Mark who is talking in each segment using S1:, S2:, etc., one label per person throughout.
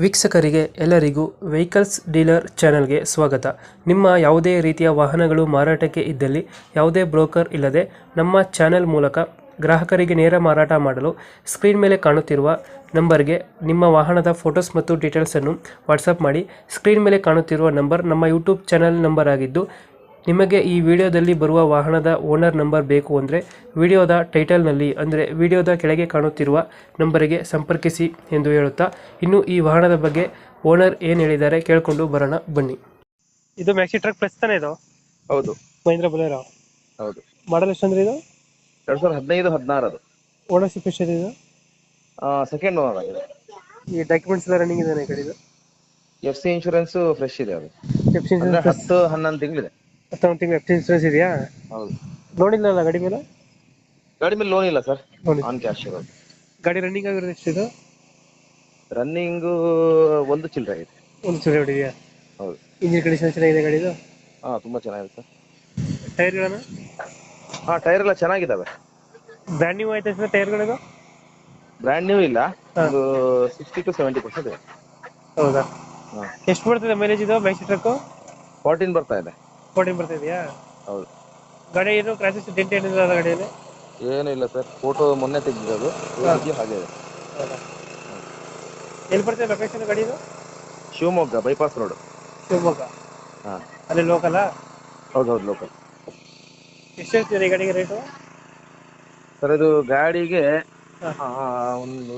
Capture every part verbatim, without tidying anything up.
S1: ವೀಕ್ಷಕರಿಗೆ ಎಲ್ಲರಿಗೂ vehicles dealer ಚಾನೆಲ್ಗೆ ಸ್ವಾಗತ. ನಿಮ್ಮ ಯಾವುದೇ ರೀತಿಯ ವಾಹನಗಳು ಮಾರಾಟಕ್ಕೆ ಇದ್ದಲ್ಲಿ ಯಾವುದೇ ಬ್ರೋಕರ್ ಇಲ್ಲದೆ ನಮ್ಮ ಚಾನೆಲ್ ಮೂಲಕ ಗ್ರಾಹಕರಿಗೆ ನೇರ ಮಾರಾಟ ಮಾಡಲು ಸ್ಕ್ರೀನ್ ಮೇಲೆ ಕಾಣುತ್ತಿರುವ ನಂಬರ್ಗೆ ನಿಮ್ಮ ವಾಹನದ ಫೋಟೋಸ್ ಮತ್ತು ಡೀಟೇಲ್ಸನ್ನು ವಾಟ್ಸಪ್ ಮಾಡಿ. ಸ್ಕ್ರೀನ್ ಮೇಲೆ ಕಾಣುತ್ತಿರುವ ನಂಬರ್ ನಮ್ಮ ಯೂಟ್ಯೂಬ್ ಚಾನೆಲ್ ನಂಬರ್ ಆಗಿದ್ದು, ನಿಮಗೆ ಈ ವಿಡಿಯೋದಲ್ಲಿ ಬರುವ ವಾಹನದ ಓನರ್ ನಂಬರ್ ಬೇಕು ಅಂದರೆ ವಿಡಿಯೋದ ಟೈಟಲ್ನಲ್ಲಿ ಅಂದರೆ ವಿಡಿಯೋದ ಕೆಳಗೆ ಕಾಣುತ್ತಿರುವ ನಂಬರಿಗೆ ಸಂಪರ್ಕಿಸಿ ಎಂದು ಹೇಳುತ್ತಾ, ಇನ್ನು ಈ ವಾಹನದ ಬಗ್ಗೆ ಓನರ್ ಏನು ಹೇಳಿದ್ದಾರೆ ಕೇಳಿಕೊಂಡು ಬರೋಣ ಬನ್ನಿ. ಇದು ಮ್ಯಾಕ್ಸಿ ಟ್ರಕ್ ಪ್ಲಸ್ ತಾನೇ ಇದು?
S2: ಹೌದು,
S1: ಮಹೀಂದ್ರ ಬೊಲೆರೋ.
S2: ಹೌದು.
S1: ಮಾಡಲ್ ಎಷ್ಟು ಅಂದ್ರೆ ಇದು?
S2: ಎರಡ್ ಸಾವಿರದ ಹದಿನೈದು ಹದಿನಾರದು.
S1: ಓನರ್ಶಿಪ್ ಎಷ್ಟಿದೆ ಇದು?
S2: ಸೆಕೆಂಡ್ ಓನರ್ ಆಗಿದೆ.
S1: ಈ ಡಾಕ್ಯುಮೆಂಟ್ಸ್ ಎಲ್ಲ ರನ್ನಿಂಗ್ ಇದೆ ಈ ಗಾಡಿದು?
S2: ಎಫ್ ಸಿ ಇನ್ಶೂರೆನ್ಸ್ ಫ್ರೆಶ್ ಇದೆ. ಅದು
S1: ಎಫ್ ಸಿ
S2: ಅಂದ್ರೆ
S1: ಇನ್ಸೂರೆನ್ಸ್
S2: ಹತ್ತು ಹನ್ನೊಂದು ತಿಂಗಳಿದೆ.
S1: ಹತ್ತೊಂದು ತಿಂಗಳು ಎಫ್ ಸಿ ಇನ್ಸೂರೆನ್ಸ್ ಇದೆಯಾ?
S2: ಹೌದು.
S1: ಲೋನ್ ಇಲ್ಲ ಗಾಡಿ ಮೇಲೆ?
S2: ಗಾಡಿ ಮೇಲೆ ಲೋನ್ ಇಲ್ಲ ಸರ್,
S1: ಲೋನ್ ಇಲ್ಲ.
S2: ಆನ್ ಕ್ಯಾಶ್ ಇರೋದು.
S1: ಗಾಡಿ ರನ್ನಿಂಗ್ ಆಗಿರೋದು ಎಷ್ಟಿದು?
S2: ರನ್ನಿಂಗ್ ಒಂದು ಚಿಲ್ಲರೆ ಆಗಿದೆ.
S1: ಒಂದು ಚಿಲ್ಲರೆ ಹೊಡಿದೆಯಾ?
S2: ಹೌದು.
S1: ಇಂಜಿನ್ ಕಂಡೀಷನ್ ಚೆನ್ನಾಗಿದೆ ಗಾಡಿದು?
S2: ಹಾ, ತುಂಬಾ ಚೆನ್ನಾಗಿದೆ ಸರ್.
S1: ಟೈರ್ಗಳನ್ನ?
S2: ಹಾ, ಟೈರ್ ಎಲ್ಲ ಚೆನ್ನಾಗಿದ್ದಾವೆ.
S1: ಬ್ರ್ಯಾಂಡ್ ನ್ಯೂ ಆಯ್ತಾ ಸರ್ ಟೈರ್ಗಳಿದು?
S2: ಬ್ರ್ಯಾಂಡ್ ನ್ಯೂ ಇಲ್ಲ, ಒಂದು ಸಿಕ್ಸ್ಟಿ ಟು ಸೆವೆಂಟಿ ಪರ್ಸೆಂಟ್ ಇದೆ.
S1: ಹೌದಾ?
S2: ಹಾ.
S1: ಎಷ್ಟು ಬರ್ತದೆ ಮೈಲೇಜ್ ಇದು ಮ್ಯಾಕ್ಸಿ ಟ್ರಕ್?
S2: ಫೋರ್ಟೀನ್ ಬರ್ತಾ ಇದೆ.
S1: ಫೋರ್ಟೀನ್ ಬರ್ತಾ ಇದೆಯಾ?
S2: ಹೌದು.
S1: ಗಾಡಿ ಏನು ಕ್ರಾಸಸ್ ಡೆಂಟ್ ಏನಿಲ್ಲ ಅಲ್ಲ ಗಾಡಿಯಲ್ಲಿ?
S2: ಏನು ಇಲ್ಲ ಸರ್, ಫೋಟೋ ಮೊನ್ನೆ ತೆಗೆದಿದ್ದು ಹಾಗೆ ಇದೆ.
S1: ಹೌದಾ? ಎಲ್ಲಿ ಬರ್ತದೆ ಲೊಕೇಶನ್ ಗಾಡಿದು?
S2: Shivamogga bypass road.
S1: ಶಿವಮೊಗ್ಗ?
S2: ಹಾ,
S1: ಅಲ್ಲಿ ಲೋಕಲ್?
S2: ಹೌದು ಹೌದು, ಲೋಕಲ್.
S1: ಎಷ್ಟು ಹೇಳ್ತೀರಿ ಈ ಗಾಡಿಗೆ ರೇಟು?
S2: ಸರ್ ಇದು ಗಾಡಿಗೆ
S1: ಹಾ.
S2: ಆ, ಒಂದು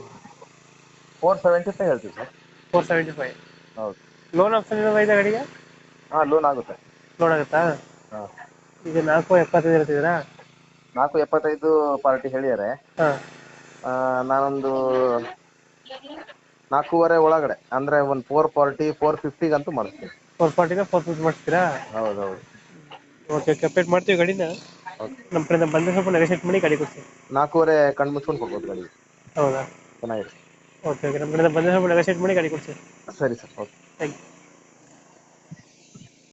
S2: ಫೋರ್ ಸೆವೆಂಟಿ ಫೈವ್ ಹೇಳ್ತೀವಿ ಸರ್.
S1: Four seventy five.
S2: ಹೌದು.
S1: ಲೋನ್ ಆಪ್ಷನ್ ಏನಾದ್ರು ಇದೆ ಗಾಡಿಗೆ?
S2: ಹಾ, ಲೋನ್ ಆಗುತ್ತೆ.
S1: ಲೋನ್ ಆಗುತ್ತಾ?
S2: ಹಾ.
S1: ಈಗ ನಾಲ್ಕು ಎಪ್ಪತ್ತೈದು ಹೇಳ್ತಿದ್ದೀರಾ?
S2: ನಾಲ್ಕು ಎಪ್ಪತ್ತೈದು ಪಾರ್ಟಿ ಹೇಳಿದ್ದಾರೆ.
S1: ಹಾಂ.
S2: ನಾನೊಂದು ನಾಲ್ಕೂವರೆ ಒಳಗಡೆ ಅಂದ್ರೆ ಒಂದು ಫೋರ್ ಫಾರ್ಟಿ ಫೋರ್ ಫಿಫ್ಟಿಗಂತೂ ಮಾಡಿಸ್ತೀನಿ.
S1: ಫೋರ್ ಫಾರ್ಟಿನ ಫೋರ್ ಫಿಫ್ಟಿ ಮಾಡಿಸ್ತೀರಾ?
S2: ಹೌದು ಹೌದು.
S1: ಓಕೆ, ಕಂಪ್ಲೀಟ್ ಮಾಡ್ತೀವಿ ಗಾಡಿನ. ನಮ್ಮ ಕಡೆಯಿಂದ ಬಂದರೆ ಸ್ವಲ್ಪ ನೆಗೋಷಿಯೇಟ್ ಮಾಡಿ ಗಾಡಿ ಕೊಡ್ತೀವಿ.
S2: ನಾಲ್ಕೂವರೆ ಕಣ್ಣು ಮುಚ್ಕೊಂಡು ಕೊಡ್ಬೋದು ಗಾಡಿ.
S1: ಹೌದಾ?
S2: ಚೆನ್ನಾಗಿದೆ.
S1: ಓಕೆ ಓಕೆ, ನಮ್ಮ ಕಡೆಯಿಂದ ಬಂದರೆ ಸ್ವಲ್ಪ ನೆಗೋಷಿಯೇಟ್ ಮಾಡಿ ಗಾಡಿ ಕೊಡ್ತೀವಿ.
S2: ಸರಿ ಸರ್, ಓಕೆ.
S1: Thank you.